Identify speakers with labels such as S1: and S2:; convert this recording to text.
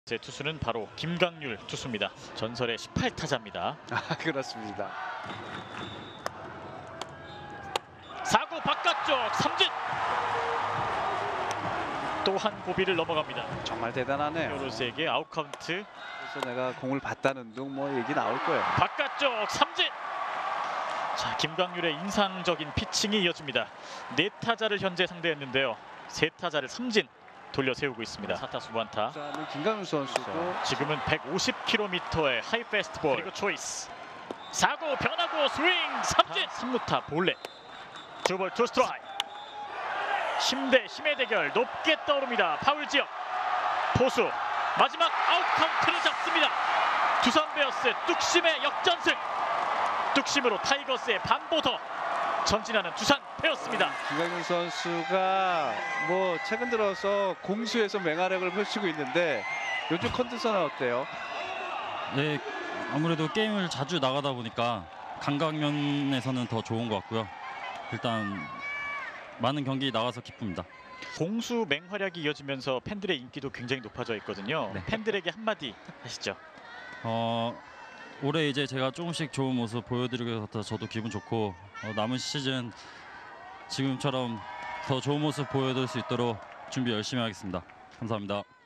S1: 제 투수는 바로 김강률 투수입니다. 전설의 18타자입니다.
S2: 그렇습니다.
S1: 4구 바깥쪽 삼진. 또 한 고비를 넘어갑니다.
S2: 정말 대단하네요.
S1: 요로스에게 아웃카운트.
S2: 그래서 내가 공을 봤다는 둥 뭐 얘기 나올 거예요.
S1: 바깥쪽 삼진. 자, 김강률의 인상적인 피칭이 이어집니다. 4타자를 현재 상대했는데요. 3타자를 삼진 돌려 세우고 있습니다. 4타수 무안타.
S2: 김강률 선수도
S1: 지금은 150km의 하이 패스트볼. 그리고 초이스. 4구 변하고 스윙 삼진. 3루타 볼넷. 2볼 2스트라이크. 힘 대 힘의 대결 높게 떠오릅니다. 파울 지역. 포수 마지막 아웃 카운트를 잡습니다. 두산 베어스 뚝심의 역전승. 뚝심으로 타이거스의 반보더 전진하는 두산 베어스입니다.
S2: 김강률 선수가 뭐 최근 들어서 공수에서 맹활약을 펼치고 있는데 요즘 컨디션은 어때요?
S3: 네, 아무래도 게임을 자주 나가다 보니까 감각 면에서는 더 좋은 것 같고요. 일단 많은 경기 나가서 기쁩니다.
S1: 공수 맹활약이 이어지면서 팬들의 인기도 굉장히 높아져 있거든요.
S3: 네.
S1: 팬들에게 한마디 하시죠.
S3: 올해 이제 제가 조금씩 좋은 모습 보여드리게 돼서 저도 기분 좋고 남은 시즌 지금처럼 더 좋은 모습 보여드릴 수 있도록 준비 열심히 하겠습니다. 감사합니다.